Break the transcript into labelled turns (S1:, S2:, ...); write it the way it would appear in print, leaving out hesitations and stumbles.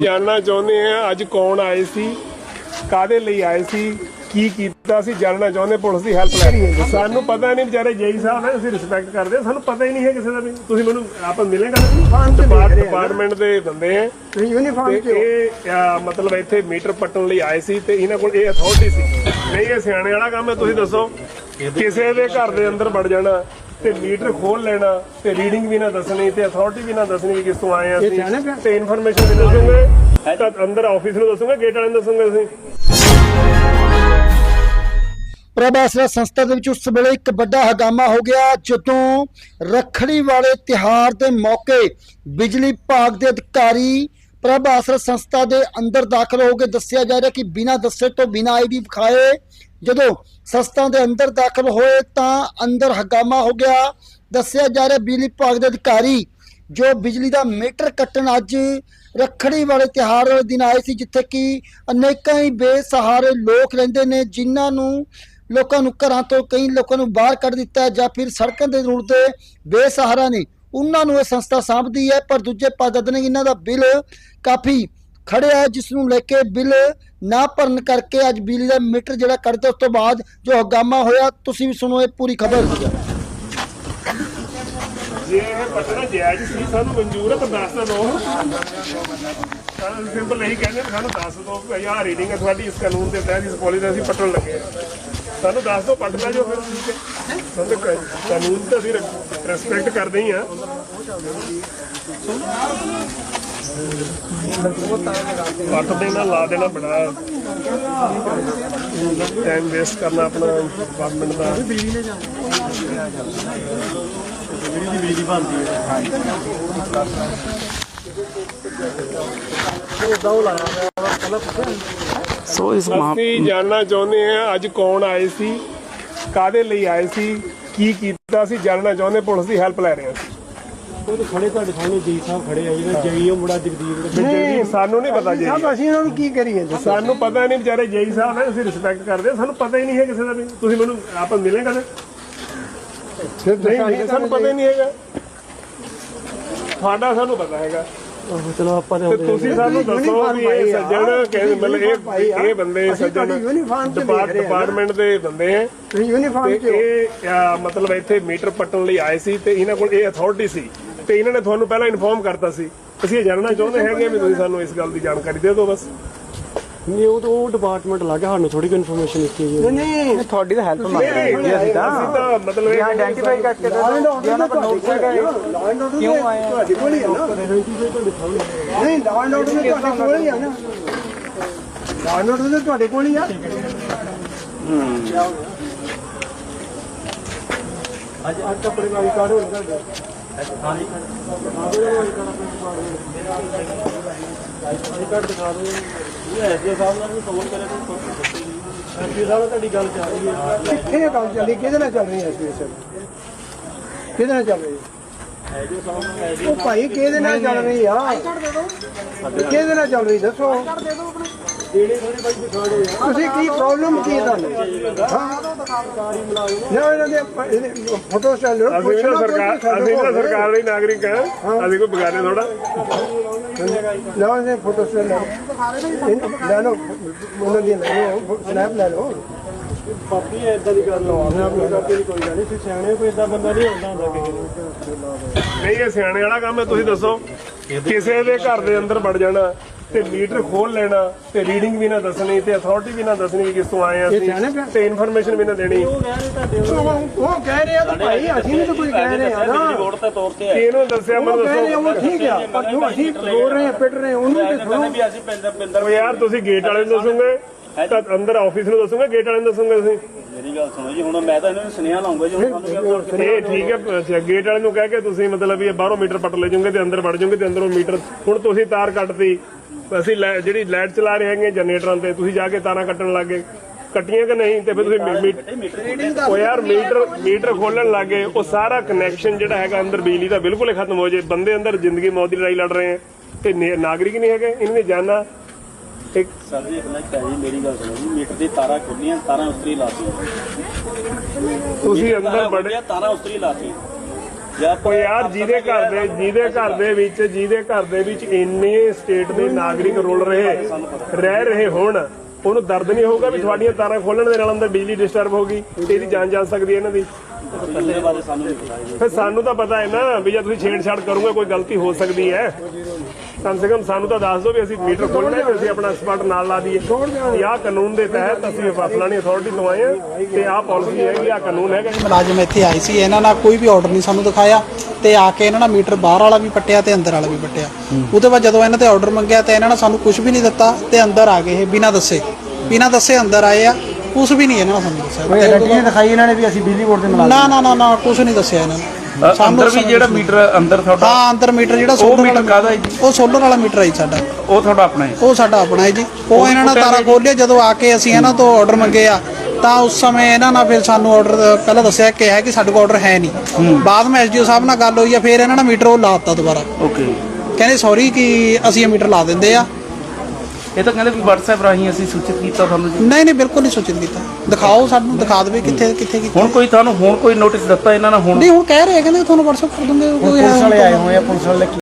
S1: जानना चाहते हैं अज कौन आए सी कादे लई आए सी की कीता सी जानना चाहते पुलिस की हैल्प लै रही है सानू पता नहीं बेचारे जेई साहब है असं रिस्पैक्ट करते सानू पता ही नहीं है किसी का भी तुसीं मैनूं आप मिलेगा डिपार्टमेंट के बंदे हैं मतलब इत्थे मीटर पट्टन लई आए सी ते इन्हां कोल ये अथॉरिटी सी नहीं ये सियाणे वाला काम है तुसीं दसो किसी दे घर दे अंदर वड़ जाना ते मीटर खोल लेना ते रीडिंग भी ना दसनी ते अथॉरिटी भी ना दसनी कि किस तो आए हैं ते इन्फॉर्मेशन भी दसूंगे तो अंदर ऑफिस में दसूंगे गेट वाले दसूंगे ਅਸੀਂ
S2: ਪ੍ਰਭ ਆਸਰਾ ਸੰਸਥਾ ਦੇ ਵਿੱਚ ਉਸ ਵੇਲੇ ਇੱਕ ਵੱਡਾ ਹੰਗਾਮਾ ਹੋ ਗਿਆ ਜਦੋਂ ਰੱਖੜੀ ਵਾਲੇ ਤਿਹਾਰ ਦੇ ਮੌਕੇ ਬਿਜਲੀ ਵਿਭਾਗ ਦੇ ਅਧਿਕਾਰੀ ਪ੍ਰਭ ਆਸਰਾ ਸੰਸਥਾ ਦੇ ਅੰਦਰ ਦਾਖਲ ਹੋ ਕੇ ਦੱਸਿਆ ਜਾ ਰਿਹਾ ਕਿ ਬਿਨਾਂ ਦੱਸੇ ਤੋਂ ਬਿਨਾਂ ਆਈਡੀ ਵਿਖਾਏ ਜਦੋਂ ਸੰਸਥਾ ਦੇ ਅੰਦਰ ਦਾਖਲ ਹੋਏ ਤਾਂ ਅੰਦਰ ਹੰਗਾਮਾ ਹੋ ਗਿਆ। ਦੱਸਿਆ ਜਾ ਰਿਹਾ ਬਿਜਲੀ ਵਿਭਾਗ ਦੇ ਅਧਿਕਾਰੀ ਜੋ ਬਿਜਲੀ ਦਾ ਮੀਟਰ ਕੱਟਣ ਅੱਜ ਰੱਖੜੀ ਵਾਲੇ ਤਿਹਾਰ ਵਾਲੇ ਦਿਨ ਆਏ ਸੀ ਜਿੱਥੇ ਕਿ ਅਨੇਕਾਂ ਹੀ ਬੇਸਹਾਰੇ ਲੋਕ ਰਹਿੰਦੇ ਨੇ ਜਿਨ੍ਹਾਂ ਨੂੰ ਲੋਕਾਂ ਨੂੰ ਘਰਾਂ ਤੋਂ ਕਈ ਲੋਕਾਂ ਨੂੰ ਬਾਹਰ ਕੱਢ ਦਿੱਤਾ ਜਾਂ ਫਿਰ ਸੜਕਾਂ ਦੇ ਰੂਟ ਤੇ ਬੇਸਹਾਰਾ ਨੇ ਉਹਨਾਂ ਨੂੰ ਇਹ ਸੰਸਥਾ ਸਾਂਭਦੀ ਹੈ। ਪਰ ਦੂਜੇ ਪਾਸੇ ਨੇ ਇਹਨਾਂ ਦਾ ਬਿੱਲ ਕਾਫੀ ਖੜਿਆ ਹੈ ਜਿਸ ਨੂੰ ਲੈ ਕੇ ਬਿੱਲ ਨਾ ਭਰਨ ਕਰਕੇ ਅੱਜ ਬਿਜਲੀ ਦਾ ਮੀਟਰ ਜਿਹੜਾ ਕੱਟਦਾ ਉਸ ਤੋਂ ਬਾਅਦ ਜੋ ਹੰਗਾਮਾ ਹੋਇਆ ਤੁਸੀਂ ਵੀ ਸੁਣੋ ਇਹ ਪੂਰੀ ਖਬਰ।
S1: ਜੇ ਇਹ ਪਟਣਾ ਜਾਇਜ਼ ਸੀ ਸਾਨੂੰ ਮਨਜ਼ੂਰ ਹੈ ਪਰ ਦੱਸ ਤਾਂ ਦਿਓ ਸਿੰਪਲ ਇਹੀ ਕਹਿੰਦੇ ਸਾਨੂੰ ਦੱਸ ਦਿਓ ਕਿ ਆਹ ਰੀਡਿੰਗ ਹੈ ਤੁਹਾਡੀ ਇਸ ਕਾਨੂੰਨ ਦੇ ਤਹਿਤ ਇਸ ਪੋਲਿਸੀ ਅਸੀਂ ਪਟਣ ਲੱਗੇ ਸਾਨੂੰ ਦੱਸ ਦਿਓ ਪਟਦਾ ਜੋ ਫਿਰ ਸਾਨੂੰ ਕਾਨੂੰਨ ਤਾਂ ਅਸੀਂ ਰਿਸਪੈਕਟ ਕਰਦੇ ਹੀ ਹਾਂ पट देना ला देना बड़ा टाइम वेस्ट करना अपना डिपार्टमेंट का जानना चाहते हैं अज कौन आए सी कादे लई आए सी की कीता सी जानना चाहते पुलिस की हैल्प लै रहे हैं
S3: खड़े सामने जी साहब खड़े है जई मुड़ा जगदीप
S1: सानू नहीं पता जी
S3: ਅਸੀਂ ਉਹਨਾਂ ਨੂੰ ਕੀ ਕਰੀਏ
S1: ਸਾਨੂੰ ਪਤਾ ਨਹੀਂ ਵਿਚਾਰੇ ਜੇਈ ਸਾਹਿਬ ਹੈ ਅਸੀਂ ਰਿਸਪੈਕਟ ਕਰਦੇ ਸਾਨੂੰ ਪਤਾ ਹੀ ਨਹੀਂ ਹੈ ਕਿਸੇ ਦਾ ਵੀ ਤੁਸੀਂ ਮੈਨੂੰ ਆਪ ਮਿਲੇਗਾ ਨਾ ਨਹੀਂ ਸਾਨੂੰ ਪਤਾ ਹੀ ਨਹੀਂ ਹੈਗਾ ਤੁਹਾਡਾ ਸਾਨੂੰ ਪਤਾ ਹੈਗਾ
S3: ਚਲੋ ਆਪਾਂ
S1: ਤੁਸੀਂ ਸਾਨੂੰ ਦੱਸੋ ਵੀ ਇਹ ਸੱਜਣ ਕਹਿੰਦੇ ਮਤਲਬ ਇਹ ਬੰਦੇ ਸੱਜਣ ਡਿਪਾਰਟਮੈਂਟ ਦੇ ਬੰਦੇ ਹੈ ਯੂਨੀਫਾਰਮ ਚ ਇਹ ਮਤਲਬ ਇੱਥੇ ਮੀਟਰ ਪੱਟਣ ਲਈ ਆਏ ਸੀ ਤੇ ਇਹਨਾਂ ਕੋਲ ਇਹ ਅਥਾਰਟੀ ਸੀ ਤੇ ਇਹਨਾਂ ਨੇ ਤੁਹਾਨੂੰ ਪਹਿਲਾਂ ਇਨਫੋਰਮ ਕਰਤਾ ਸੀ ਅਸੀਂ ਇਹ ਜਾਣਨਾ ਚਾਹੁੰਦੇ ਹੈਗੇ ਵੀ ਤੁਸੀਂ ਸਾਨੂੰ ਇਸ ਗੱਲ ਦੀ ਜਾਣਕਾਰੀ ਦੇ ਦਿਓ ਬਸ
S3: ਨਹੀਂ ਉਹ ਡਿਪਾਰਟਮੈਂਟ ਲੱਗ ਗਿਆ ਸਾਨੂੰ ਥੋੜੀ ਇਨਫੋਰਮੇਸ਼ਨ ਦਿੱਤੀ ਜੀ
S2: ਨਹੀਂ ਤੁਹਾਡੀ ਤਾਂ ਹੈਲਪ ਮੰਗਦੇ
S1: ਹਾਂ ਅਸੀਂ ਤਾਂ ਮਤਲਬ ਇਹ
S2: ਆਇਡੈਂਟੀਫਾਈ ਕਰਕੇ ਉਹਨਾਂ ਕੋਲ ਨੋਟ ਹੈਗਾ ਕਿਉਂ ਆਏ
S3: ਤੁਹਾਡੇ ਕੋਲ ਹੀ ਆ ਨਾ ਨਹੀਂ ਲਾਅ ਆਰਡਰ ਤੁਹਾਡੇ ਕੋਲ ਹੀ ਆ ਨਾ ਲਾਅ ਆਰਡਰ ਤੁਹਾਡੇ ਕੋਲ ਹੀ ਆ ਅੱਜ ਆਪਣੇ ਵਾਲੀ ਕਾਰਡ ਹੋ ਗਿਆ ਹਾਂਜੀ ਕਾਰਡ ਦਿਖਾ ਦਿਓ ਐਸਡੀ ਸਾਹਿਬ ਨਾਲ ਵੀ ਫੋਨ ਕਰਿਆ ਤਾਂ ਐਸਡੀ ਸਾਹਿਬ ਨਾਲ ਤੁਹਾਡੀ ਗੱਲ ਚੱਲ ਰਹੀ ਹੈ ਕਿੱਥੇ ਗੱਲ ਚੱਲੀ ਕਿਹਦੇ ਨਾਲ ਚੱਲ ਰਹੀ ਹੈ ਐਸਡੀ ਸਾਹਿਬ ਕਿਹਦੇ ਨਾਲ ਚੱਲ ਰਹੀ ਹੈ ਉਹ ਭਾਈ ਕਿਹਦੇ ਨਾਲ ਚੱਲ ਰਹੀ ਆ ਕਿਹਦੇ ਨਾਲ ਚੱਲ ਰਹੀ ਦੱਸੋ ਤੁਸੀਂ ਕੀ ਪ੍ਰੋਬਲਮ ਕੀ ਤੁਹਾਨੂੰ ਨਾ ਇਹਨਾਂ ਦੇ ਫੋਟੋ ਸਟਾਲ ਲੋ
S1: ਅਸੀਂ ਤਾਂ ਸਰਕਾਰ ਦੇ ਨਾਗਰਿਕ ਹਾਂ ਅਸੀਂ ਕੋਈ ਬਗਾਨੇ ਥੋੜਾ
S3: ਨਾ ਇਹਨੇ ਫੋਟੋ ਸਟਾਲ ਲੈ ਲਓ ਉਹਨਾਂ ਦੀ ਸਨੈਪ ਲੈ ਲਓ ਪਾਪੀ ਇਦਾਂ ਦੀ ਗੱਲ ਲਵਾਉਣਾ ਆਪਣੀ ਕਰਕੇ ਕੋਈ ਗੱਲ ਨਹੀਂ ਸਿਆਣੇ ਕੋਈ ਇਦਾਂ ਬੰਦਾ ਨਹੀਂ ਹੁੰਦਾ ਕਿਸੇ ਨੂੰ
S1: ਨਹੀਂ ਇਹ ਸਿਆਣੇ ਵਾਲਾ ਕੰਮ ਹੈ ਤੁਸੀਂ ਦੱਸੋ ਕਿਸੇ ਦੇ ਘਰ ਦੇ ਅੰਦਰ ਵੜ ਜਾਣਾ ਤੇ ਮੀਟਰ ਖੋਲ ਲੈਣਾ ਤੇ ਰੀਡਿੰਗ ਵੀ ਨਾ ਦੱਸਣੀ ਤੇ ਅਥਾਰਟੀ ਵੀ ਨਾ ਦੱਸਣੀ ਕਿ ਕਿਸ ਤੋਂ ਆਏ ਆ ਤੇ ਇਨਫੋਰਮੇਸ਼ਨ ਵੀ ਨਾ ਦੇਣੀ
S3: ਉਹ ਕਹਿ ਰਹੇ ਆ ਤਾਂ ਭਾਈ ਅਸੀਂ ਵੀ ਤਾਂ ਕੋਈ ਕਹਿ ਰਹੇ ਆ ਨਾ
S4: ਰਿਪੋਰਟ ਤੇ ਤੌਰ ਤੇ
S1: ਇਹਨੂੰ ਦੱਸਿਆ ਮੈਨੂੰ ਦੱਸੋ
S3: ਉਹ ਠੀਕ ਆ ਪਰ ਜੋ ਅਸੀਂ ਬੋਲ ਰਹੇ ਆ ਪਿੱਟ ਰਹੇ ਉਹਨੂੰ ਤੇ ਸੁਣੋ
S4: ਵੀ ਅਸੀਂ ਪਿੰਦਰ
S1: ਉਹ ਯਾਰ ਤੁਸੀਂ ਗੇਟ ਵਾਲੇ ਨੂੰ ਦੱਸੋਗੇ ਤਾਂ ਅੰਦਰ ਆਫਿਸ ਨੂੰ ਦੱਸੋਗੇ ਗੇਟ ਵਾਲੇ ਨੂੰ ਦੱਸੋਗੇ ਤੁਸੀਂ
S4: ਮੇਰੀ ਗੱਲ ਸੁਣੋ ਜੀ ਹੁਣ ਮੈਂ ਤਾਂ ਇਹਨਾਂ ਨੂੰ ਸੁਨੇਹਾ ਲਾਉਂਗਾ ਜੀ ਹੁਣ ਸਾਨੂੰ
S1: ਇਹ ਠੀਕ ਹੈ ਅੱਛਾ ਗੇਟ ਵਾਲੇ ਨੂੰ ਕਹਿ ਕੇ ਤੁਸੀਂ ਮਤਲਬ ਵੀ ਬਾਹਰੋਂ ਮੀਟਰ ਪੱਟ ਲੈ ਜਾਓਗੇ ਤੇ ਅੰਦਰ ਵੜ ਜਾਓਗੇ ਤੇ ਅੰਦਰੋਂ ਮੀਟਰ ਹੁਣ ਤੁਸੀਂ ਤਾਰ ਕੱਟਤੀ ਅਸੀਂ ਜਿਹੜੀ ਲਾਈਟ ਚਲਾ ਰਹੇ ਹੈਗੇ ਜਨਰੇਟਰਾਂ ਤੇ ਤੁਸੀਂ ਜਾ ਕੇ ਤਾਰਾਂ ਕੱਟਣ ਲੱਗੇ ਕੱਟੀਆਂ ਕਿ ਨਹੀਂ ਤੇ ਫਿਰ ਤੁਸੀਂ ਉਹ ਯਾਰ ਮੀਟਰ ਖੋਲਣ ਲੱਗੇ ਉਹ ਸਾਰਾ ਕਨੈਕਸ਼ਨ ਜਿਹੜਾ ਹੈਗਾ ਅੰਦਰ ਬਿਜਲੀ ਦਾ ਬਿਲਕੁਲ ਹੀ ਖਤਮ ਹੋ ਜੇ ਬੰਦੇ ਅੰਦਰ ਜ਼ਿੰਦਗੀ ਮੌਤ ਦੀ ਲੜਾਈ ਲੜ ਰਹੇ ਹੈ ਤੇ ਨਾਗਰਿਕ ਨਹੀਂ ਹੈਗੇ ਇਹਨਾਂ ਨੇ ਜਾਨਣਾ ਇੱਕ
S4: ਸਰ ਜੀ ਇੱਕ ਮਿੰਟ ਜੀ ਮੇਰੀ ਗੱਲ ਸੁਣੋ ਜੀ ਮੀਟਰ ਦੀ ਤਾਰਾਂ ਖੁੱਲੀਆਂ ਤਾਰਾਂ ਉਸਤਰੀ ਲਾਤੀ
S1: ਤੁਸੀਂ ਅੰਦਰ ਬੜੇ
S4: ਤਾਰਾਂ ਉਸਤਰੀ ਲਾਤੀ
S1: ਕੋਈ ਯਾਰ ਜਿਹਦੇ ਘਰ ਦੇ ਵਿੱਚ ਇੰਨੇ ਸਟੇਟ ਦੇ ਨਾਗਰਿਕ ਰੁਲ ਰਹਿ ਰਹੇ ਹੋਣ, ਉਹਨੂੰ ਦਰਦ ਨਹੀਂ ਹੋਊਗਾ ਵੀ ਤੁਹਾਡੀਆਂ ਤਾਰਾਂ ਖੋਲਣ ਦੇ ਨਾਲ ਅੰਦਰ ਬਿਜਲੀ ਡਿਸਟਰਬ ਹੋਗੀ, ਇਹਦੀ ਜਾਨ ਜਾ ਸਕਦੀ ਹੈ ਇਹਨਾਂ ਦੀ। ਫਿਰ ਸਾਨੂੰ ਤਾਂ ਪਤਾ ਹੈ ਨਾ ਵੀ ਜੇ ਤੁਸੀਂ ਛੇੜਛਾੜ ਕਰੋਗੇ ਕੋਈ ਗਲਤੀ ਹੋ ਸਕਦੀ ਹੈ। ਕਮ ਸੇ ਕਮ ਸਾਨੂੰ ਤਾਂ ਦੱਸ ਦਿਓ ਵੀ ਅਸੀਂ ਮੀਟਰ ਖੋਲਣਾ ਹੈ, ਅਸੀਂ ਆਪਣਾ ਐਕਸਪਰਟ ਨਾਲ ਲਾ ਦਈਏ। ਆਹ ਕਾਨੂੰਨ ਦੇ ਤਹਿਤ ਅਸੀਂ ਫਲਾਣੀ ਅਥਾਰਟੀ ਤੋਂ ਆਏ ਹਾਂ ਤੇ ਆਹ ਪਾਲਿਸੀ ਹੈਗੀ, ਆਹ ਕਾਨੂੰਨ ਹੈਗਾ।
S5: ਮੁਲਾਜ਼ਮ ਇੱਥੇ ਆਏ ਸੀ, ਇਹਨਾਂ ਨਾਲ ਕੋਈ ਵੀ ਆਰਡਰ ਨਹੀਂ ਸਾਨੂੰ ਦਿਖਾਇਆ ਤੇ ਆ ਕੇ ਇਹਨਾਂ ਨਾਲ ਮੀਟਰ ਬਾਹਰ ਵਾਲਾ ਵੀ ਪੱਟਿਆ ਤੇ ਅੰਦਰ ਵਾਲਾ ਵੀ ਪੱਟਿਆ। ਉਹਦੇ ਬਾਅਦ ਜਦੋਂ ਇਹਨਾਂ ਤੇ ਆਰਡਰ ਮੰਗਿਆ ਤੇ ਇਹਨਾਂ ਨੇ ਸਾਨੂੰ ਕੁਝ ਵੀ ਨਹੀਂ ਦਿੱਤਾ ਤੇ ਅੰਦਰ ਆ ਗਏ ਇਹ ਬਿਨਾਂ ਦੱਸੇ ਅੰਦਰ ਆਏ ਆ। ਕੁਝ ਵੀ ਨਹੀਂ ਇਹਨਾਂ ਨੇ ਸਾਨੂੰ ਦੱਸਿਆ।
S3: ਕੋਈ ਗੱਡੀਆਂ ਦਿਖਾਈ ਇਹਨਾਂ ਨੇ ਵੀ ਅਸੀਂ ਬਿਜਲੀ ਬੋਰਡ ਦੇ ਮੁਲਾਜ਼ਮ
S5: ਨਾ ਕੁਝ ਨਹੀਂ ਦੱਸਿਆ ਇਹਨਾਂ ਨੇ।
S6: ਅੰਦਰ ਵੀ ਜਿਹੜਾ ਮੀਟਰ ਅੰਦਰ ਤੁਹਾਡਾ,
S5: ਹਾਂ ਅੰਦਰ ਮੀਟਰ ਜਿਹੜਾ
S6: ਸੋਲਰ ਵਾਲਾ ਕਾਹਦਾ ਹੈ ਜੀ?
S5: ਉਹ ਸੋਲਰ ਵਾਲਾ ਮੀਟਰ ਹੈ ਜੀ ਸਾਡਾ।
S6: ਉਹ ਤੁਹਾਡਾ ਆਪਣਾ ਹੈ?
S5: ਉਹ ਸਾਡਾ ਆਪਣਾ ਹੈ ਜੀ। ਉਹ ਇਹਨਾਂ ਨੇ ਤਾਰਾਂ ਖੋਲਿਆ ਜਦੋਂ ਆ ਕੇ ਅਸੀਂ ਇਹਨਾਂ ਤੋਂ ਆਰਡਰ ਮੰਗੇ ਆ ਤਾਂ ਉਸ ਸਮੇਂ ਇਹਨਾਂ ਨਾਲ ਫਿਰ ਸਾਨੂੰ ਆਰਡਰ ਪਹਿਲਾਂ ਦੱਸਿਆ ਕਿ ਹੈ ਕਿ ਸਾਡੇ ਕੋਲ ਆਰਡਰ ਹੈ ਨਹੀਂ। ਬਾਅਦ ਵਿੱਚ ਐਸਡੀਓ ਸਾਹਿਬ ਨਾਲ ਗੱਲ ਹੋਈ ਆ, ਫਿਰ ਇਹਨਾਂ ਨੇ ਮੀਟਰ ਉਹ ਲਾ ਦਿੱਤਾ ਦੁਬਾਰਾ।
S6: ਓਕੇ,
S5: ਕਹਿੰਦੇ ਸੌਰੀ ਕਿ ਅਸੀਂ ਇਹ ਮੀਟਰ ਲਾ ਦਿੰਦੇ ਆ।
S6: ਇਹ ਤਾਂ ਕਹਿੰਦੇ ਵੀ WhatsApp ਰਾਹੀਂ ਅਸੀਂ ਸੂਚਿਤ ਕੀਤਾ ਤੁਹਾਨੂੰ ਜੀ?
S5: ਨਹੀਂ ਬਿਲਕੁਲ ਨਹੀਂ ਸੂਚਿਤ ਕੀਤਾ। ਦਿਖਾਓ, ਸਾਨੂੰ ਦਿਖਾ ਦੇਵੇ ਕਿੱਥੇ ਕੀਤਾ।
S6: ਹੁਣ ਕੋਈ ਤੁਹਾਨੂੰ ਕੋਈ ਨੋਟਿਸ ਦਿੱਤਾ ਇਹਨਾਂ ਨੇ? ਹੁਣ
S5: ਨਹੀਂ, ਹੁਣ ਕਹਿ ਰਹੇ ਕਹਿੰਦੇ ਤੁਹਾਨੂੰ WhatsApp ਕਰ ਦੂੰਗੇ।
S3: ਪੁਲਿਸ ਵਾਲੇ ਆਏ ਹੋਏ ਆ, ਪੁਲਿਸ ਵਾਲੇ